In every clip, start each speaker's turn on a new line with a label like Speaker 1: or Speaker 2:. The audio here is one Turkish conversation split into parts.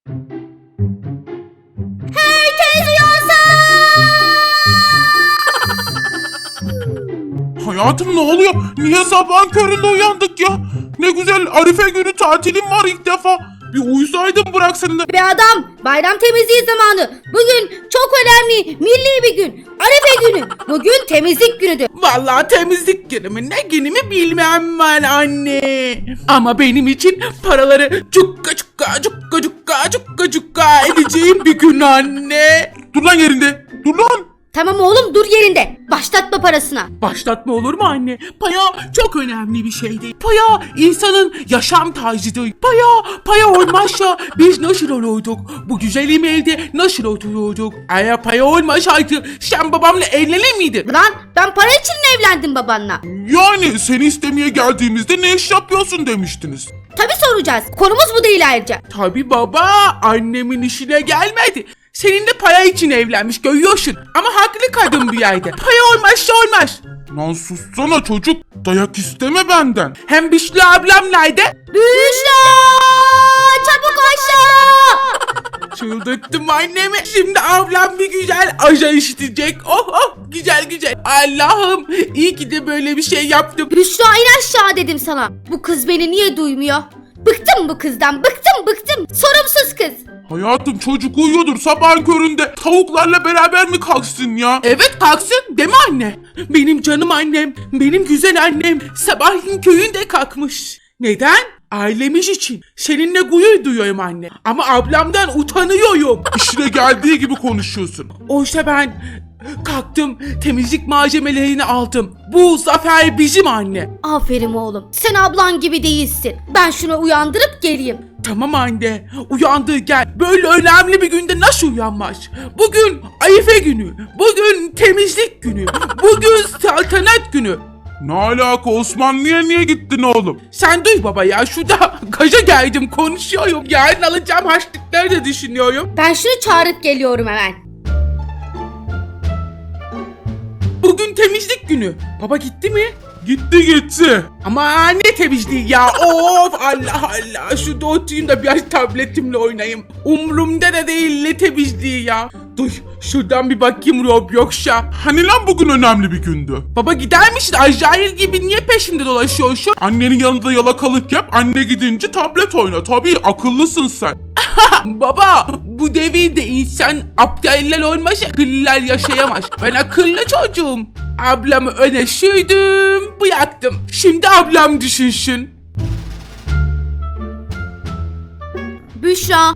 Speaker 1: Herkes uyansın!
Speaker 2: Hayatım ne oluyor? Niye sabahın köründe uyandık ya? Ne güzel Arife günü tatilim var ilk defa. Bir uyusaydın bırak seni de.
Speaker 1: Be adam, bayram temizliği zamanı. Bugün çok önemli, milli bir gün. Arife günü. Bugün temizlik günüdür.
Speaker 3: Vallahi temizlik günümü ne günümü bilmem ben anne. Ama benim için paraları cukka cukka cukka cukka cukka cukka edeceğim bir gün anne.
Speaker 2: Dur lan yerinde. Dur lan.
Speaker 1: Tamam oğlum, dur yerinde. Başlatma parasına.
Speaker 3: Başlatma olur mu anne? Para çok önemli bir şeydi. Para insanın yaşam tarzıdır. Para olmazsa biz nasıl olurduk? Bu güzel elde nasıl otururduk? Eğer para olmasaydı sen babamla evlenir miydin?
Speaker 1: Lan ben para için mi evlendim babanla?
Speaker 2: Yani seni istemeye geldiğimizde ne iş yapıyorsun demiştiniz.
Speaker 1: Tabii soracağız. Konumuz bu değil ayrıca.
Speaker 3: Tabii baba, annemin işine gelmedi. Seninle para için evlenmiş görüyorsun. Ama haklı kadın bir yerde. Para olmazsa olmaz.
Speaker 2: Lan sussana çocuk. Dayak isteme benden.
Speaker 3: Hem Büşra ablam nerede?
Speaker 1: Büşra! Çabuk aşağı!
Speaker 3: Çıldırttım annemi. Şimdi ablam bir güzel aja işitecek. Oh oh, güzel güzel. Allah'ım iyi ki de böyle bir şey yaptım.
Speaker 1: Büşra in aşağı dedim sana. Bu kız beni niye duymuyor? Bıktım bu kızdan, bıktım. Sorumsuz kız.
Speaker 2: Hayatım çocuk uyuyordur sabahın köründe. Tavuklarla beraber mi kalksın ya?
Speaker 3: Evet kalksın değil mi anne? Benim canım annem, benim güzel annem sabahleyin köyünde kalkmış. Neden? Ailemiz için. Seninle gurur duyuyorum anne. Ama ablamdan utanıyorum.
Speaker 2: İşine geldiği gibi konuşuyorsun.
Speaker 3: Oysa ben kalktım, temizlik malzemelerini aldım. Bu zafer bizim anne.
Speaker 1: Aferin oğlum. Sen ablan gibi değilsin. Ben şunu uyandırıp geleyim.
Speaker 3: Tamam anne, uyandı gel. Böyle önemli bir günde nasıl uyanmaz? Bugün Arife günü, bugün temizlik günü, bugün saltanat günü.
Speaker 2: Ne alaka Osmanlı'ya niye gittin oğlum?
Speaker 3: Sen duy baba ya, şurada gaza geldim konuşuyorum. Yarın alacağım harçlıkları da düşünüyorum.
Speaker 1: Ben şunu çağırıp geliyorum hemen.
Speaker 3: Bugün temizlik günü. Baba gitti mi?
Speaker 2: Gitti.
Speaker 3: Ama ne temizliği ya, of Allah Allah. Şurada oturayım da biraz tabletimle oynayayım. Umrumda da değil ne temizliği ya. Dur şuradan bir bakayım Roblox'a.
Speaker 2: Hani lan bugün önemli bir gündü.
Speaker 3: Baba gider misin? Acayip gibi niye peşimde dolaşıyorsun?
Speaker 2: Annenin yanında yalakalık yap. Anne gidince tablet oyna. Tabii akıllısın sen.
Speaker 3: Baba bu devirde insan aptaller olmasa akıllılar yaşayamaz. Ben akıllı çocuğum. Ablamı öne sürdüm, bıraktım. Şimdi ablam düşünsün.
Speaker 1: Büşra.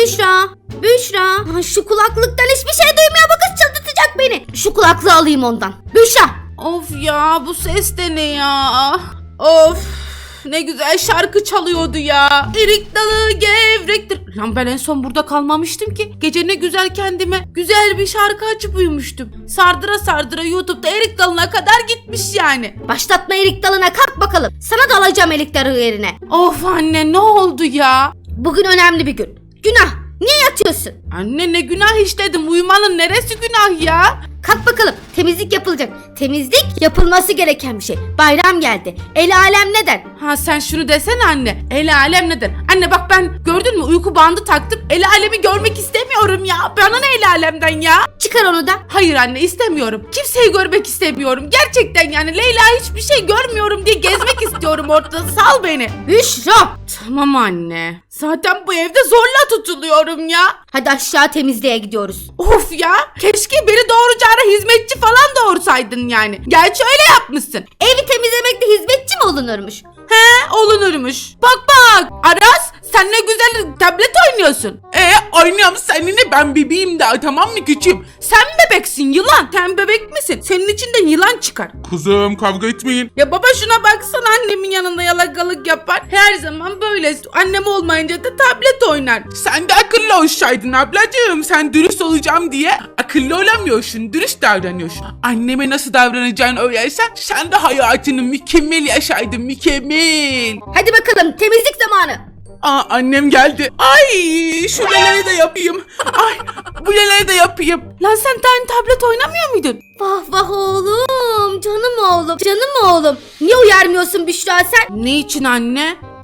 Speaker 1: Ha, şu kulaklıktan hiçbir şey duymuyor, bu kız çıldırtacak beni. Şu kulaklığı alayım ondan. Büşra.
Speaker 3: Of ya, bu ses de ne ya? Of, ne güzel şarkı çalıyordu ya. Erik dalı gevrektir. Lan ben en son burada kalmamıştım ki. Gece ne güzel kendime güzel bir şarkı açıp uyumuştum. Sardıra sardıra YouTube'da erik dalına kadar gitmiş yani.
Speaker 1: Başlatma erik dalına, kalk bakalım. Sana da alacağım erik dalı yerine.
Speaker 3: Of anne, ne oldu ya?
Speaker 1: Bugün önemli bir gün. Günah. Niye yatıyorsun?
Speaker 3: Anne ne günah işledim, uyumanın neresi günah ya?
Speaker 1: Kalk bakalım, temizlik yapılacak. Temizlik yapılması gereken bir şey. Bayram geldi. El alem ne der?
Speaker 3: Ha sen şunu desene anne, el alem ne der? Anne bak ben gördün mü uyku bandı taktım, el alemi görmek istemiyorum ya. Bana ne el alemden ya?
Speaker 1: Çıkar onu da.
Speaker 3: Hayır anne istemiyorum, kimseyi görmek istemiyorum. Gerçekten yani Leyla hiçbir şey görmüyorum diye gezmek istiyorum ortada, sal beni.
Speaker 1: Büşra.
Speaker 3: Tamam anne, zaten bu evde zorla tutuluyorum ya.
Speaker 1: Hadi aşağı temizliğe gidiyoruz.
Speaker 3: Of ya, keşke beni doğuracağına hizmetçi falan doğursaydın yani. Gerçi öyle yapmışsın.
Speaker 1: Evi temizlemekte hizmetçi mi olunurmuş?
Speaker 3: He olunurmuş. Bak Aras sen ne güzel tablet oynuyorsun. Oynuyorum seninle, ben bebeğim daha, tamam mı küçüğüm? Sen bebeksin yılan. Sen bebek misin? Senin içinden yılan çıkar.
Speaker 2: Kızım kavga etmeyin.
Speaker 3: Ya baba şuna baksana, annemin yanında yalakalık yapar. Her zaman böyle. Annem olmayınca da tablet oynar. Sen de akıllı olsaydın ablacığım. Sen dürüst olacağım diye akıllı olamıyorsun. Dürüst davranıyorsun. Anneme nasıl davranacağını öğrensen sen de hayatını mükemmel yaşaydın, mükemmel.
Speaker 1: Hadi bakalım, temizlik zamanı.
Speaker 3: Aa annem geldi. Ay şu neleri de yapayım. Ay bu neleri de yapayım. Lan sen tane tablet oynamıyor muydun?
Speaker 1: Vah vah oğlum, canım oğlum. Niye uyarmıyorsun Büşra sen?
Speaker 3: Ne için anne?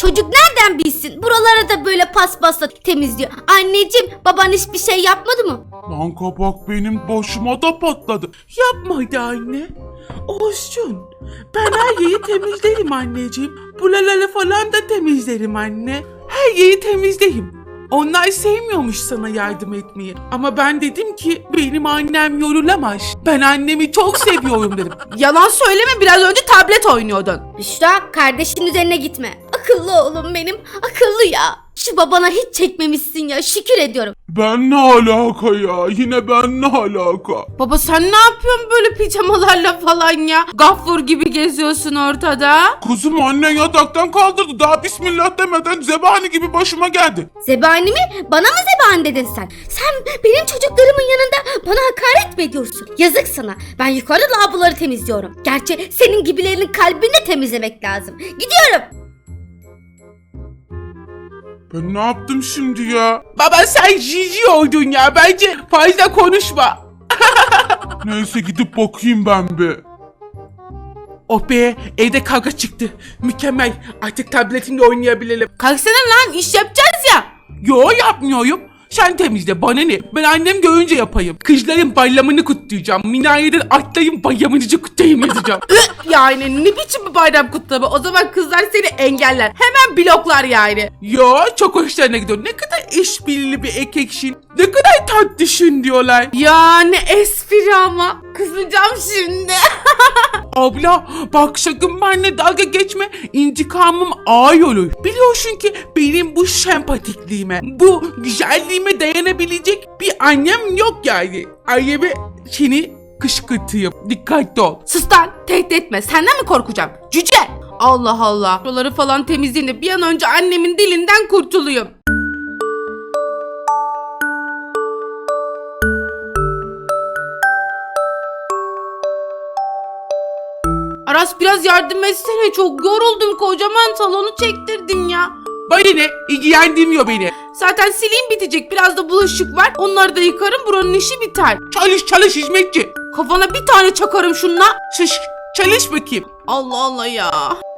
Speaker 1: Çocuk nereden bilsin? Buraları da böyle paspasla temizliyor. Anneciğim, baban hiçbir şey yapmadı mı?
Speaker 2: Lan kabak benim başıma da patladı.
Speaker 3: Yapmadı anne. Olsun. Ben her yeri temizlerim anneciğim. Buraları falan da temizlerim anne. Her yeri temizlerim. Onlar sevmiyormuş sana yardım etmeyi. Ama ben dedim ki benim annem yorulamaz. Ben annemi çok seviyorum dedim. Yalan söyleme, biraz önce tablet oynuyordun.
Speaker 1: Büşra, kardeşin üzerine gitme. Akıllı oğlum benim, akıllı ya. Şu babana hiç çekmemişsin ya, şükür ediyorum.
Speaker 2: Ben ne alaka ya? Yine ben ne alaka?
Speaker 3: Baba sen ne yapıyorsun böyle pijamalarla falan ya? Gaffur gibi geziyorsun ortada.
Speaker 2: Kızım annen yataktan kaldırdı. Daha bismillah demeden zebani gibi başıma geldi.
Speaker 1: Zebani mi? Bana mı zebani dedin sen? Sen benim çocuklarımın yanında bana hakaret mi ediyorsun? Yazık sana. Ben yukarıda lavaboları temizliyorum. Gerçi senin gibilerinin kalbini de temizlemek lazım. Gidiyorum.
Speaker 2: Ben ne yaptım şimdi ya?
Speaker 3: Baba sen cici oldun ya, bence fazla konuşma.
Speaker 2: Neyse gidip bakayım ben bir.
Speaker 3: Oh be, evde kavga çıktı. Mükemmel, artık tabletimle oynayabilirim. Kalksana lan, iş yapacağız ya. Yo, yapmıyorum. Sen temizle, bana ne? Ben annem görünce yapayım. Kızların bayramını kutlayacağım. Minareden atlayın bayramınızı kutlayayım yazacağım. Yani ne biçim bir bayram kutlama? O zaman kızlar seni engeller. Hemen bloklar yani. Yo, çok hoşlarına gidiyor. Ne kadar işbirliği bir erkeksin. Ne kadar tatlısın diyorlar. Ya ne espri ama. Kızacağım şimdi. Abla bak sakın benimle dalga geçme, intikamım ağır olur. Biliyorsun ki benim bu sempatikliğime, bu güzelliğime dayanabilecek bir annem yok yani. Anneme seni kışkırtayım, dikkatli ol. Sus lan, tehdit etme, senden mi korkacağım cüce? Allah Allah. Buraları falan temizleyin de bir an önce annemin dilinden kurtulayım. Aras biraz yardım etsene, çok yoruldum, kocaman salonu çektirdin ya. Bana ne? İlgilendirmiyor beni. Zaten sileyim bitecek, biraz da bulaşık var, onları da yıkarım, buranın işi biter. Çalış hizmetçi. Kafana bir tane çakarım şunla. Çalış bakayım. Allah Allah ya.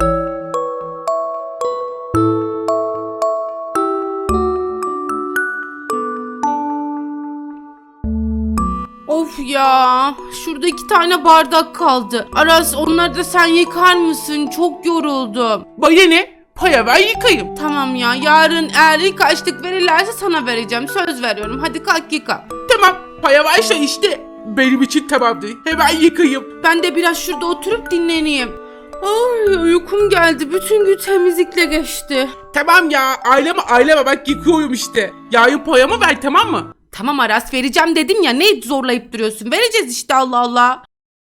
Speaker 3: Of ya, şurada 2 tane bardak kaldı. Aras onları da sen yıkar mısın? Çok yoruldum. Bana ne? Paya ver yıkayayım. Tamam ya, yarın eğer ilk açlık verirlerse sana vereceğim. Söz veriyorum, hadi kalk yıka. Tamam, paya varsa işte. Benim için tamamdır. Hemen yıkayayım. Ben de biraz şurada oturup dinleneyim. Ay uykum geldi. Bütün gün temizlikle geçti. Tamam ya, aileme bak yıkıyorum işte. Yarın payamı ver, tamam mı? Tamam Aras, vereceğim dedim ya, ne zorlayıp duruyorsun? Vereceğiz işte, Allah Allah.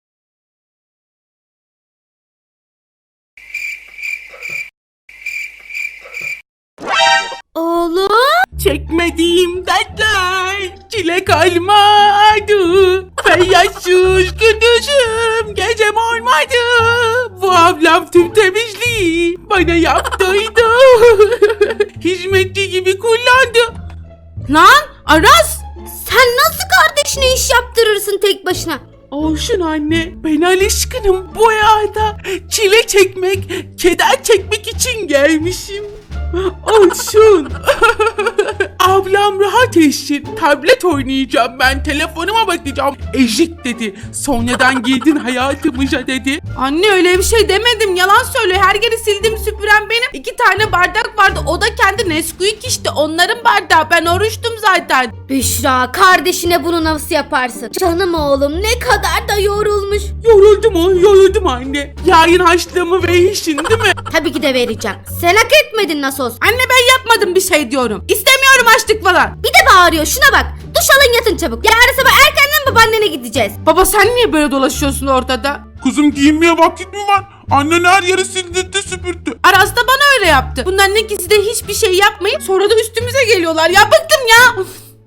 Speaker 1: Oğlum.
Speaker 3: Çekmediğim dertler çile kalmadı. Feyyazsız gündüzüm gecem olmadı. Bu ablam tüm temizliği bana yaptıydı. Hizmetçi gibi kullandı. Lan Aras!
Speaker 1: Sen nasıl kardeşine iş yaptırırsın tek başına?
Speaker 3: Olsun anne, ben alışkınım bu hayata. Çile çekmek, keder çekmek için gelmişim. Olsun. Ablam rahat etsin. Tablet oynayacağım ben. Telefonuma bakacağım. Ezik dedi. Sonradan girdin hayatımıza dedi. Anne öyle bir şey demedim. Yalan söylüyor. Her yeri sildim süpüren benim. 2 tane bardak vardı. O da kendi Nesquik işte. Onların bardağı. Ben oruçtum zaten.
Speaker 1: Büşra, kardeşine bunu nasıl yaparsın? Canım oğlum, ne kadar da yorulmuş.
Speaker 3: Yoruldum anne. Yarın harçlığımı verirsin değil mi?
Speaker 1: Tabii ki de vereceğim. Sen hak etmedin nasıl olsa.
Speaker 3: Anne ben yapmadım bir şey diyorum. İstemiyorum açlık falan.
Speaker 1: Bir de bağırıyor, şuna bak. Duş alın yatın çabuk. Yarın sabah erkenden babaannene gideceğiz.
Speaker 3: Baba sen niye böyle dolaşıyorsun ortada?
Speaker 2: Kızım giyinmeye vakit mi var? Annen her yeri sildirdi süpürdü.
Speaker 3: Aras da bana öyle yaptı. Bunların ikisi de hiçbir şey yapmayıp sonra da üstümüze geliyorlar. Ya bıktım ya.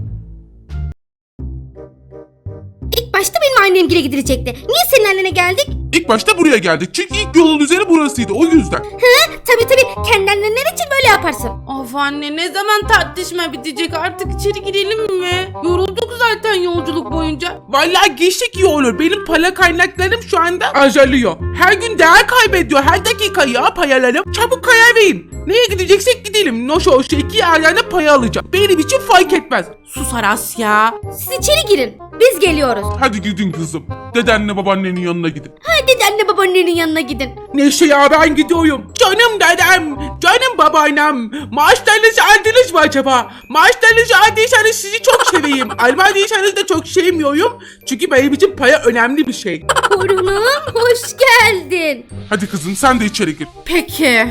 Speaker 1: İlk başta benim annemgile gidilecekti. Niye senin annene geldik?
Speaker 2: İlk başta buraya geldik. Çünkü ilk yolun üzeri burasıydı o yüzden.
Speaker 1: Tabii. Kendi annenler için böyle yaparsın.
Speaker 3: Of anne, ne zaman tartışma bitecek, artık içeri girelim mi? Yorulduk zaten yolculuk boyunca. Vallahi geçtik iyi olur. Benim para kaynaklarım şu anda azalıyor. Her gün değer kaybediyor, her dakika ya payalarım. Çabuk karar verin. Neye gideceksek gidelim. Noş olsa 2 yerden de paya alacağım. Benim için fark etmez. Sus Aras ya.
Speaker 1: Siz içeri girin. Biz geliyoruz.
Speaker 2: Hadi gidin kızım. Dedenle babaannenin yanına gidin.
Speaker 1: Hadi anne babaannenin yanına gidin.
Speaker 3: Neyse ya ben gidiyorum. Canım dedem, canım babaannem. Maaşlarınızı aldınız mı acaba? Maaşlarınızı aldıysanız sizi çok seveyim. Almadıysanız da çok sevmiyorum. Çünkü benim için para önemli bir şey.
Speaker 1: Torunum hoş geldin.
Speaker 2: Hadi kızım sen de içeri gir.
Speaker 3: Peki.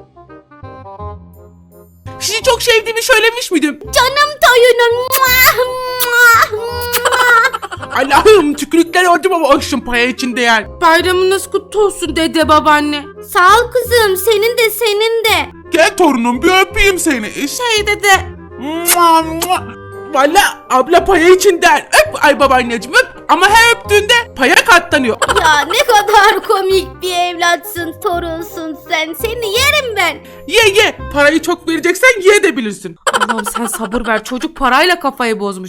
Speaker 3: Sizi çok sevdiğimi söylemiş miydim?
Speaker 1: Canım torunum.
Speaker 3: Allah'ım tükürükler oldum ama olsun para için değer. Bayramınız kutlu olsun dede babaanne.
Speaker 1: Sağ ol kızım. Senin de senin de.
Speaker 2: Gel torunum bir öpeyim seni.
Speaker 3: Şey dede. Valla abla paya için der. Öp ay babaanneciğim öp. Ama her öptüğünde paya katlanıyor.
Speaker 1: Ya ne kadar komik bir evlatsın, torunsun sen. Seni yerim ben.
Speaker 3: Ye. Parayı çok vereceksen ye de bilirsin. Allah'ım sen sabır ver. Çocuk parayla kafayı bozmuş.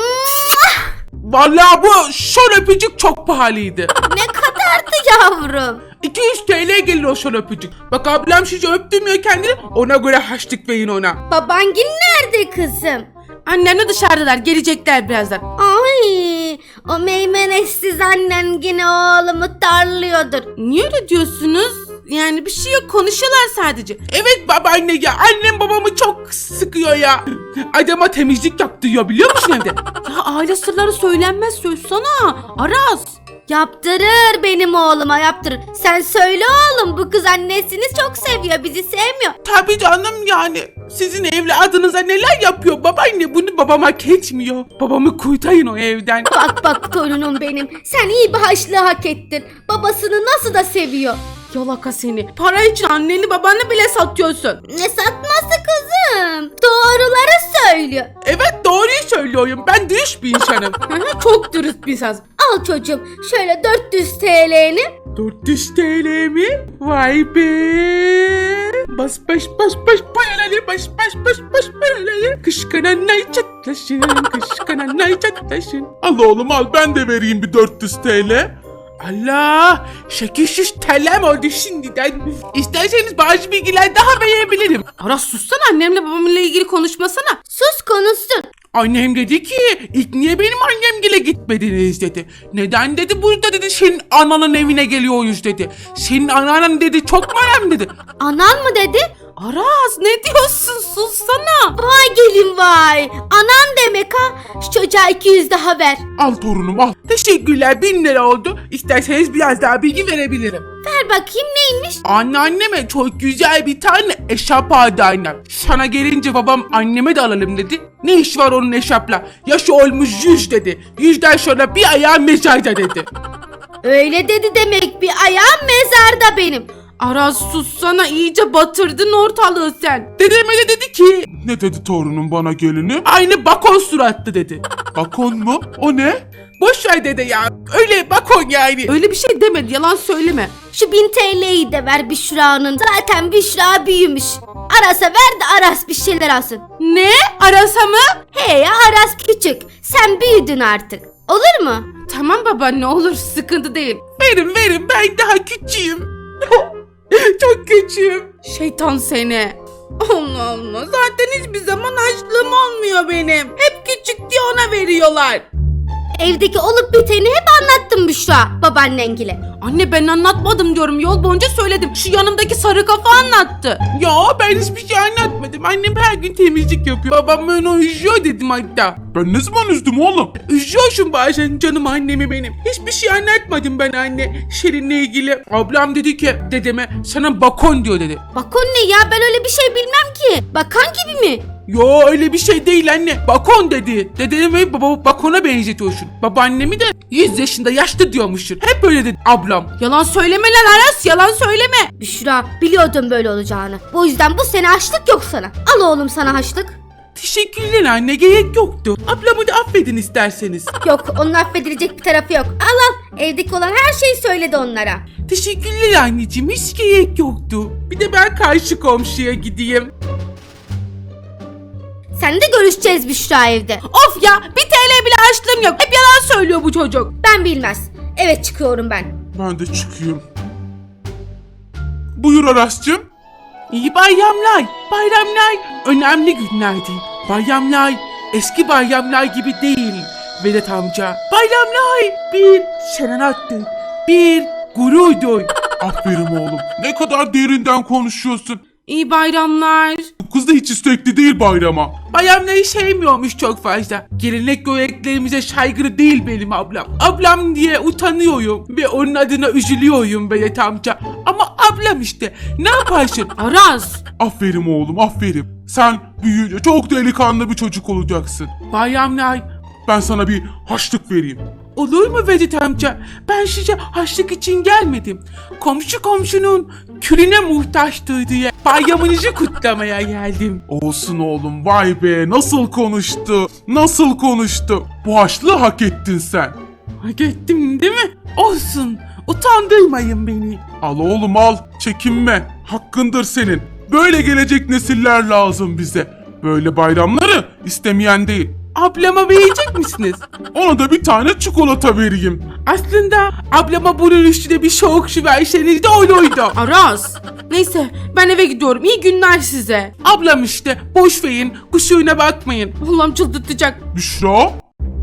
Speaker 3: Vallahi bu şol öpücük çok pahalıydı.
Speaker 1: Ne kadardı yavrum?
Speaker 3: 200 TL gelir o şol öpücük. Bak ablam sizi öptürmüyor kendini. Ona göre haçlık verin ona.
Speaker 1: Babangil nerede kızım?
Speaker 3: Annemle dışarıdalar. Gelecekler birazdan.
Speaker 1: Ay, o meymenetsiz annen yine oğlumu darlıyordur.
Speaker 3: Niye öyle diyorsunuz? Yani bir şey yok, konuşuyorlar sadece. Evet babaanne ya, annem babamı çok sıkıyor ya. Adama temizlik yaptırıyor biliyor musun evde? Ya aile sırları söylenmez, söylesene Aras.
Speaker 1: Yaptırır benim oğluma yaptırır. Sen söyle oğlum, bu kız annesini çok seviyor, bizi sevmiyor.
Speaker 3: Tabii canım yani. Sizin evladınıza neler yapıyor babaanne, bunu babam hak etmiyor. Babamı kurtarın o evden.
Speaker 1: Bak torunum benim, sen iyi bir haşlığı hak ettin. Babasını nasıl da seviyor.
Speaker 3: Yalaka seni. Para için anneni babanı bile satıyorsun.
Speaker 1: Ne satması kızım? Doğruları söylüyor.
Speaker 3: Evet doğruyu söylüyorum. Ben dürüst bir insanım. Çok dürüst bir insanım.
Speaker 1: Al çocuğum şöyle 400 TL'ni.
Speaker 3: 400 TL mi? Vay be. Bas paraları bas paraları. Kışkananlar çatlaşın, kışkananlar çatlaşın.
Speaker 2: Al oğlum al ben de vereyim bir 400 TL.
Speaker 3: Allah! 800 TL'm oldu şimdiden. İsterseniz bazı bilgiler daha verebilirim. Aras sussana, annemle babamla ilgili konuşmasana.
Speaker 1: Sus konuşsun.
Speaker 3: Annem dedi ki ilk niye benim annemgile gitmediniz dedi. Neden dedi, burada dedi senin ananın evine geliyoruz dedi. Senin anan dedi çok önemli dedi.
Speaker 1: Anan mı dedi?
Speaker 3: Aras ne diyorsun, sussana.
Speaker 1: Vay gelin vay. Anan demek ha. Şu çocuğa 200 daha ver.
Speaker 2: Al torunum al.
Speaker 3: Teşekkürler, 1000 lira oldu. İsterseniz biraz daha bilgi verebilirim.
Speaker 1: Ver bakayım neymiş?
Speaker 3: Anneanneme çok güzel bir tane eşarp aldı annem. Sana gelince babam anneme de alalım dedi. Ne iş var onun eşarpla? Yaşı olmuş 100 dedi. 100'den sonra bir ayağı mezarda dedi.
Speaker 1: Öyle dedi demek, bir ayağım mezarda benim.
Speaker 3: Aras sussana, iyice batırdın ortalığı sen. Dedeme de dedi ki
Speaker 2: Ne dedi torunum bana gelini?
Speaker 3: aynı bakon suratlı dedi.
Speaker 2: Bakon mu? O ne?
Speaker 3: Boş ver dede ya. Öyle bakon yani. Öyle bir şey demedi, yalan söyleme.
Speaker 1: Şu 1000 TL'yi de ver Büşra'nın. Zaten Büşra büyümüş. Aras'a ver de Aras bir şeyler alsın.
Speaker 3: Ne? Aras'a mı?
Speaker 1: He ya, Aras küçük. Sen büyüdün artık. Olur mu?
Speaker 3: Tamam baba, ne olur, sıkıntı değil. Verin ben daha küçüğüm. Çok küçüğüm. Şeytan seni. Allah Allah, zaten hiçbir zaman açlığım olmuyor benim. Hep küçük diye ona veriyorlar.
Speaker 1: Evdeki olup biteni hep anlattım Büşra babaannengile.
Speaker 3: Anne ben anlatmadım diyorum, yol boyunca söyledim. Şu yanımdaki sarı kafa anlattı. Ya ben hiçbir şey anlatmadım. Annem her gün temizlik yapıyor. Babam beni üzüyor dedim hatta.
Speaker 2: Ben ne zaman üzdüm oğlum?
Speaker 3: Üzüyorsun bazen canım annemi benim. Hiçbir şey anlatmadım ben anne. Şirin'le ilgili. Ablam dedi ki dedeme sana bakon diyor dedi.
Speaker 1: Bakon ne ya, ben öyle bir şey bilmem ki. Bakan gibi mi?
Speaker 3: Yo öyle bir şey değil anne. Bakon dedi. Dedemi bakona benzetiyorsun. Babaannemi de 100 yaşında yaşlı diyormuşsun. Hep öyle dedi ablam. Yalan söyleme lan Aras, yalan söyleme.
Speaker 1: Büşra, biliyordum böyle olacağını. Bu yüzden bu sene haçlık yok sana. Al oğlum sana haçlık.
Speaker 3: Teşekkürler anne, gerek yoktu. Ablamı da affedin isterseniz.
Speaker 1: Yok, onun affedilecek bir tarafı yok. Al. Evdeki olan her şeyi söyledi onlara.
Speaker 3: Teşekkürler anneciğim, hiç gerek yoktu. Bir de ben karşı komşuya gideyim.
Speaker 1: Seninle de görüşeceğiz Büşra evde.
Speaker 3: Of ya, 1 TL bile harçlığım yok. Hep yalan söylüyor bu çocuk.
Speaker 1: Ben bilmez. Evet, çıkıyorum ben.
Speaker 2: Ben de çıkayım. Buyur Aras'cığım.
Speaker 3: İyi bayramlar. Bayramlar önemli günlerdi. Bayramlar eski bayramlar gibi değil Vedat amca. Bayramlar bir şenanattı. Bir gururdur.
Speaker 2: Aferin oğlum. Ne kadar derinden konuşuyorsun.
Speaker 3: İyi bayramlar.
Speaker 2: Bu kız da hiç istekli değil bayrama.
Speaker 3: Bayramları sevmiyormuş çok fazla. Gelenek göreneklerimize saygılı değil benim ablam. Ablam diye utanıyorum ve onun adına üzülüyorum Vedat amca. Ama ablam işte. Ne yaparsın? Aras.
Speaker 2: Aferin oğlum, aferin. Sen büyüyünce çok delikanlı bir çocuk olacaksın.
Speaker 3: Bayramlar.
Speaker 2: Ben sana bir haçlık vereyim.
Speaker 3: Olur mu Vedat amca? Ben size haçlık için gelmedim. Komşu komşunun külüne muhtaçtır diye bayramınızı kutlamaya geldim.
Speaker 2: Olsun oğlum, vay be, nasıl konuştu, nasıl konuştu. Bu haçlığı hak ettin sen.
Speaker 3: Hak ettim değil mi? Olsun. Utandırmayın beni.
Speaker 2: Al oğlum al, çekinme. Hakkındır senin. Böyle gelecek nesiller lazım bize. Böyle bayramları istemeyen değil.
Speaker 3: Ablama verecek misiniz?
Speaker 2: Ona da bir tane çikolata vereyim.
Speaker 3: Aslında ablama bunun üstüne bir soğuk su verseniz de olurdu. Aras. Neyse ben eve gidiyorum. İyi günler size. Ablam işte. Boş verin. Kusuruna bakmayın. Allah'ım çıldırtacak.
Speaker 2: Büşra,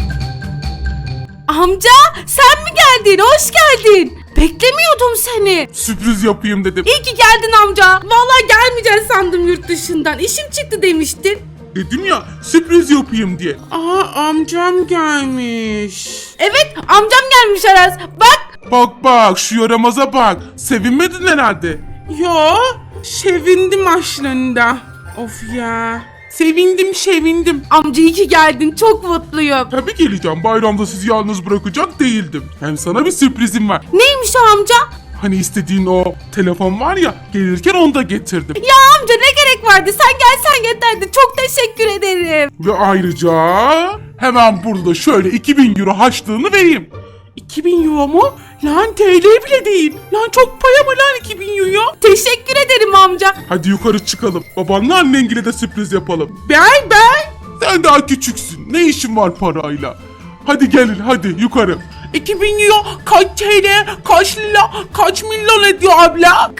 Speaker 3: Amca sen mi geldin? Hoş geldin. Beklemiyordum seni.
Speaker 2: sürpriz yapayım dedim.
Speaker 3: İyi ki geldin amca. Vallahi gelmeyeceksin sandım yurt dışından. İşim çıktı demiştin.
Speaker 2: Dedim ya, sürpriz yapayım diye.
Speaker 3: Aa amcam gelmiş. Evet amcam gelmiş Aras. Bak.
Speaker 2: Bak bak, şu yaramaza bak. Sevinmedin herhalde.
Speaker 3: Yo, sevindim aslında. Of ya. Sevindim. Amca iyi ki geldin. Çok mutluyum.
Speaker 2: Tabii geleceğim. Bayramda sizi yalnız bırakacak değildim. Hem sana bir sürprizim var.
Speaker 3: Neymiş o amca?
Speaker 2: Hani istediğin o telefon var ya, gelirken onu da getirdim.
Speaker 3: Ya amca ne gerek vardı? Sen gelsen yeterdi. Çok teşekkür ederim.
Speaker 2: Ve ayrıca hemen burada şöyle 2000 euro harçlığını vereyim.
Speaker 3: 2000 euro mu? Lan TL bile değil. Lan çok para mı lan 2000 euro? Teşekkür ederim amca.
Speaker 2: Hadi yukarı çıkalım. Babanla annengile de sürpriz yapalım.
Speaker 3: Ben.
Speaker 2: Sen daha küçüksün. Ne işin var parayla? Hadi gelin, hadi yukarı.
Speaker 3: 2000 euro kaç TL, kaç lira, kaç milyon ediyor abla?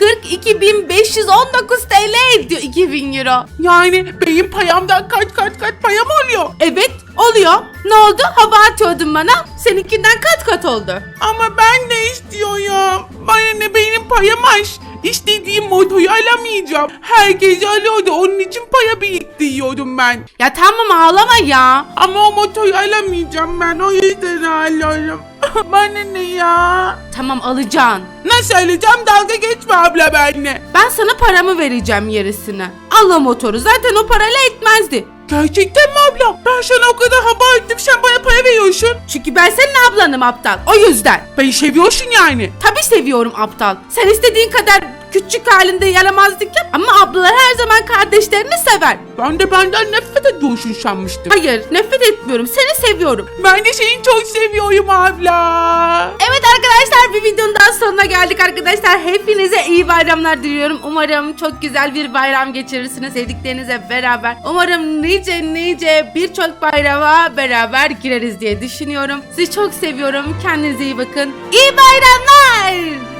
Speaker 3: 42.519 TL ediyor 2000 euro. Yani benim payamdan kaç payam oluyor? Evet oluyor. Ne oldu? Hava atıyordun bana. Seninkinden kat oldu. Ama ben de istiyorum. Bana ne benim payam az. İstediğim motoyu alamayacağım. Herkes alıyordu. Onun için para biriktiriyordum ben. Ya tamam ağlama ya. Ama o motoyu alamayacağım ben. O yüzden ağlıyorum. Bana ne ya? Tamam alacaksın. Nasıl alacağım? Dalga geçme abla benimle. Ben sana paramı vereceğim yarısını. Al o motoru. Zaten o parayla etmezdi. Gerçekten mi abla? Ben sana o kadar hava ettim, sen bana para veriyorsun. Çünkü ben senin ablanım aptal. O yüzden. Beni seviyorsun yani. Tabii seviyorum aptal. Sen istediğin kadar küçük halinde yaramazlık yap ama ablalar her zaman kardeşlerini sever. Ben de benden nefret ediyorsun sanmıştım. Hayır, nefret etmiyorum. Seni seviyorum. Ben de seni çok seviyorum abla. Evet arkadaşlar, bir videonun daha sonuna geldik arkadaşlar. Hepinize iyi bayramlar diliyorum. Umarım çok güzel bir bayram geçirirsiniz sevdiklerinizle beraber. Umarım nice birçok bayrama beraber gireriz diye düşünüyorum. Sizi çok seviyorum. Kendinize iyi bakın. İyi bayramlar.